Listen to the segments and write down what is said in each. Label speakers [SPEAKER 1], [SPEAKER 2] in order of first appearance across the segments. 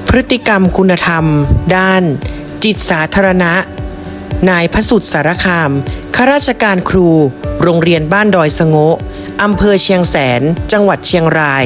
[SPEAKER 1] พฤติกรรมคุณธรรม ด้าน จิตสาธารณะ นายพสุทธิ์สารคามข้าราชการครู โรงเรียนบ้านดอยสะโงะอำเภอเชียงแสน จังหวัดเชียงราย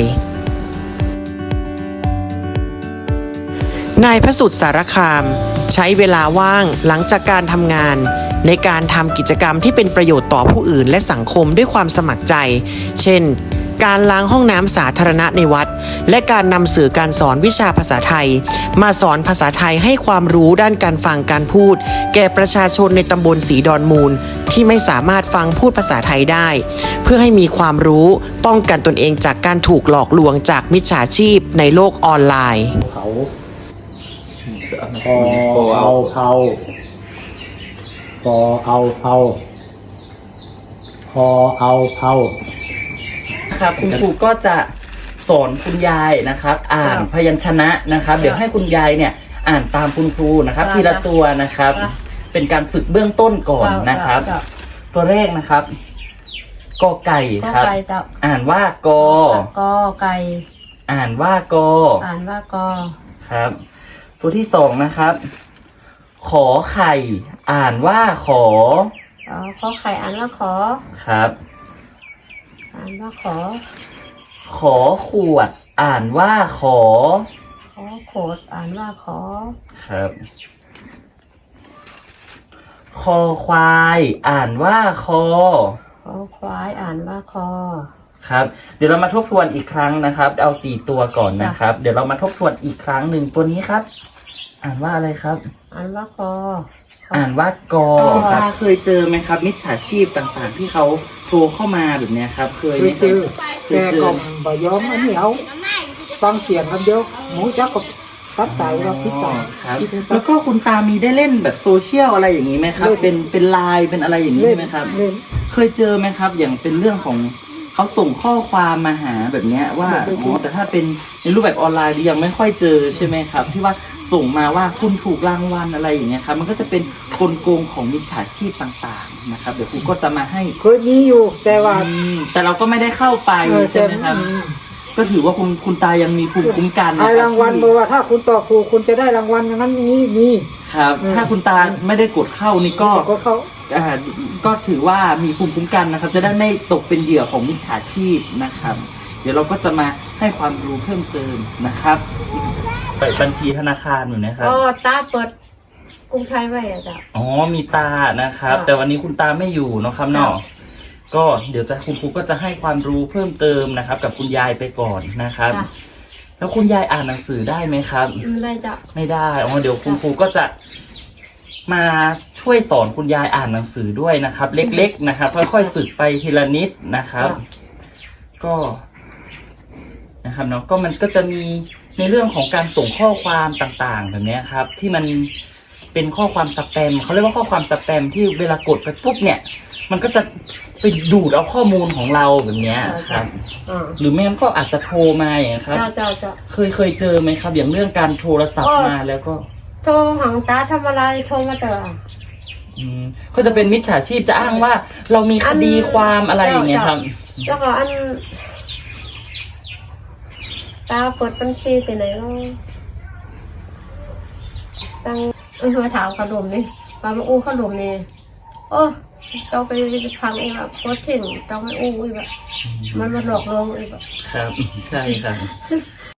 [SPEAKER 1] นายพสุทธิ์สารคามใช้เวลาว่างหลังจากการทำงานในการทำกิจกรรมที่เป็นประโยชน์ต่อผู้อื่นและสังคมด้วยความสมัครใจ เช่น การล้างห้องน้ำสาธารณะในวัด และการนำสื่อการสอนวิชาภาษาไทยมาสอนภาษาไทยให้ความรู้ด้านการฟังการพูด แก่ประชาชนในตำบลศรีดอนมูลที่ไม่สามารถฟังพูดภาษาไทยได้ เพื่อให้มีความรู้ป้องกันตนเองจากการถูกหลอกลวงจากมิจฉาชีพในโลกออนไลน์
[SPEAKER 2] เขาพอเอาเผาพอเอาเผาพอเอาเผา
[SPEAKER 3] ครับคุณครูก็จะสอนคุณยายนะครับ อ่านพยัญชนะนะครับ เดี๋ยวให้คุณยายเนี่ยอ่านตามคุณครูนะครับ ทีละตัวนะครับ เป็นการฝึกเบื้องต้นก่อนนะครับ ตัวแรกนะครับกอไก่ครับอ่านว่ากอก
[SPEAKER 4] อไก่
[SPEAKER 3] อ่านว่ากอ
[SPEAKER 4] อ่านว่ากอ
[SPEAKER 3] ครับ ตัวที่สองนะครับขอไข่อ่านว่าขอ
[SPEAKER 4] ขอไข่อ่านว่าขอ
[SPEAKER 3] ครับ
[SPEAKER 4] อ่านว่าขอ
[SPEAKER 3] ขวดอ่านว่าขอ
[SPEAKER 4] โขดอ่านว่าขอ
[SPEAKER 3] ครับคอควายอ่านว่าคอ
[SPEAKER 4] ควายอ่านว่าคอ
[SPEAKER 3] ครับเดี๋ยวเรามาทบทวนอีกครั้งนะครับเอา4ตัวก่อนนะครับเดี๋ยวเรามาทบทวนอีกครั้งหนึ่งตัวนี้ครับ อ่านว่าอะไรครับ
[SPEAKER 4] อ่านว่าคอ
[SPEAKER 3] อ่านว่ากอครับเคยเจอไหมครับมิจฉาชีพต่างๆที่เขาโทรเข้ามาแบบนี้ครับเคย
[SPEAKER 2] เจอแต่ก็บ่ยอมอันนี้เอาฟังเสียงกันเดียวหมูจักกับตัดใจเราพิจารณา
[SPEAKER 3] ครับแล้วก็คุณตามีได้เล่นแบบโซเชียลอะไรอย่างนี้ไหมครับเป็นไลน์เป็นอะไรอย่างนี้ไหมครับเคยเจอไหมครับอย่างเป็นเรื่องของเขาส่งข้อความมาหาแบบนี้ว่าแต่ถ้าเป็นในรูปแบบออนไลน์ยังไม่ค่อยเจอใช่ไหมครับที่ว่าส่งมาว่าคุณถูกรางวัลอะไรอย่างเงี้ยครับมันก็จะเป็นกลโกงของมิจฉาชีพต่างๆนะครับเดี๋ยวครูก็จะมาให้
[SPEAKER 2] เคยมีอยู่แต่ว่า
[SPEAKER 3] แต่เราก็ไม่ได้เข้าไปใช่ไหมครับก็ถือว่าคุณตายังมีภูมิคุ้มกันนะครับ
[SPEAKER 2] รางวัลบอกว่าถ้าคุณตอบถูกคุณจะได้รางวัลอย่างนั้นนี้มี
[SPEAKER 3] ครับถ้าคุณตาไม่ได้กดเข้านี่ก็ถือว่ามีภูมิคุ้มกันนะครับจะได้ไม่ตกเป็นเหยื่อของมิจฉาชีพนะครับเดี๋ยวเราก็จะมาให้ความรู้เพิ่มเติมนะครับเปิดบัญชีธนาคารอยู่นะครับ
[SPEAKER 4] ตาเปิดกรุงไทยไว้จ้ะ
[SPEAKER 3] อ๋อมีตานะครับแต่วันนี้คุณตาไม่อยู่เนาะครับเนาะก็เดี๋ยวคุณครูก็จะให้ความรู้เพิ่มเติมนะครับกับคุณยายไปก่อนนะครับแล้วคุณยายอ่านหนังสือได้ไหมครับ
[SPEAKER 4] ไม่ได้จ้ะ
[SPEAKER 3] ไม่ได้อ๋อเดี๋ยวคุณครูก็จะมาช่วยสอนคุณยายอ่านหนังสือด้วยนะครับเล็กๆนะครับค่อยๆฝึกไปทีละนิดนะครับก็นะครับเนาะก็มันก็จะมีในเรื่องของการส่งข้อความต่างๆแบบนี้ครับที่มันเป็นข้อความสแปมเขาเรียกว่าข้อความสแปมที่เวลากดไปปุ๊บเนี่ยมันก็จะไปดูดเอาข้อมูลของเราแบบนี้ครับหรือไม่งั้นก็อาจจะโทรมาอย่างนี้ครับเคยเจอไหมครับอย่างเรื่องการโทรศัพท์มาแล้วก็
[SPEAKER 4] โทรหางตาทำอะไรโทรมาเจอ
[SPEAKER 3] ก็จะเป็นมิจฉาชีพจะอ้างว่าเรามีคดีความอะไรอย่างเงี้ยครับ
[SPEAKER 4] แล้วก็ตาเปิดบัญชีไปไหนก็ตั้งมาถามขนมนี่มาอู้ขนมนี่โอ้ต้องไปพังเองแบบโคตรถึงต้องไปอู้อีกแบบมันมาหลอกลวงอีกแบบ
[SPEAKER 3] ครับใช่ครับ